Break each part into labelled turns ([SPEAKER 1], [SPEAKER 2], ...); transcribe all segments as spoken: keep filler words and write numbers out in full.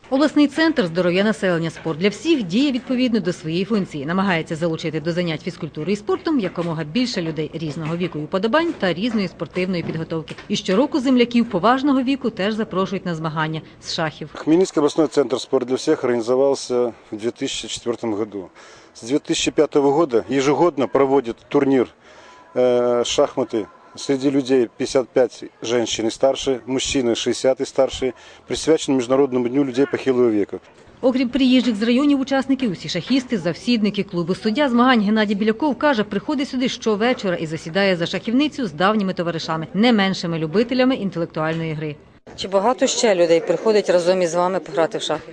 [SPEAKER 1] Обласний центр здоров'я населення «Спорт для всіх» діє відповідно до своєї функції. Намагається залучити до занять фізкультури і спортом якомога більше людей різного віку і уподобань та різної спортивної підготовки. І щороку земляків поважного віку теж запрошують на змагання з шахів.
[SPEAKER 2] Хмельницкий областной центр «Спорт для всех» организовался в две тысячи четвёртом году. С две тысячи пятого года ежегодно проводит турнир э, шахматы среди людей пятьдесят пять женщин и старше, мужчины шестьдесят и старше, присвячен Международному дню людей похилого века.
[SPEAKER 1] Окрім приїжджих з районів учасників, усі шахісти, завсідники клубу «Суддя» змагань Геннадій Біляков каже, приходить сюди щовечора і засідає за шахівницю з давніми товаришами, не меншими любителями інтелектуальної гри.
[SPEAKER 3] Чи багато ще людей приходять разом із вами пограти в шахи?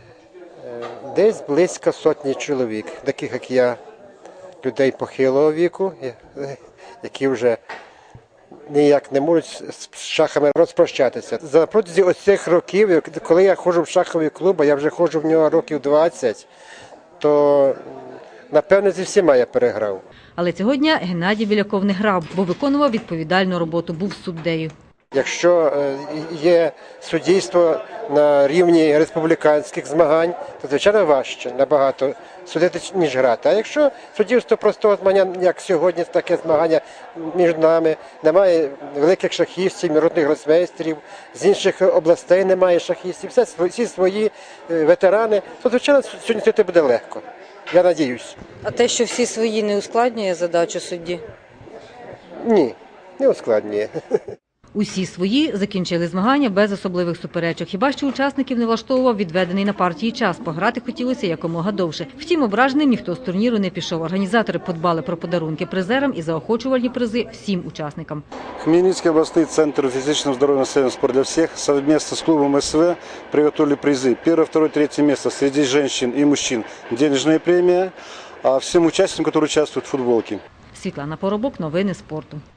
[SPEAKER 4] Десь близько сотні чоловік, таких як я, людей похилого віку, які вже ніяк не можуть з шахами розпрощатися. За протязі ось цих років, коли я ходжу в шаховий клуб, а я вже ходжу в нього років двадцять, то, напевно, зі всіма я переграв.
[SPEAKER 1] Але цього дня Геннадій Біляков не грав, бо виконував відповідальну роботу, був суддею.
[SPEAKER 4] Якщо є суддівство на рівні республіканських змагань, то, звичайно, важче набагато судити, ніж грати. А якщо суддівство простого змагання, як сьогодні, таке змагання між нами, немає великих шахістів, міжнародних гросмейстерів, з інших областей немає шахістів, всі свої ветерани, то, звичайно, сьогодні судити буде легко. Я надіюсь.
[SPEAKER 3] А те, що всі свої, не ускладнює задачу судді?
[SPEAKER 4] Ні, не ускладнює.
[SPEAKER 1] Усі свої закінчили змагання без особливих суперечок. Хіба що учасників не влаштовував відведений на партії час. Пограти хотілося якомога довше. Втім, ображеним ніхто з турніру не пішов. Організатори подбали про подарунки призерам і заохочувальні призи всім учасникам.
[SPEAKER 2] Хмельницкий областный центр физического здоровья населения «Спорт для всех» совместно с клубом СВ приготовили призы. Первое, второе, третье место среди женщин и мужчин – денежная премия, а всем участникам, которые участвуют в футболке.
[SPEAKER 1] Світлана Поробок, новини спорту.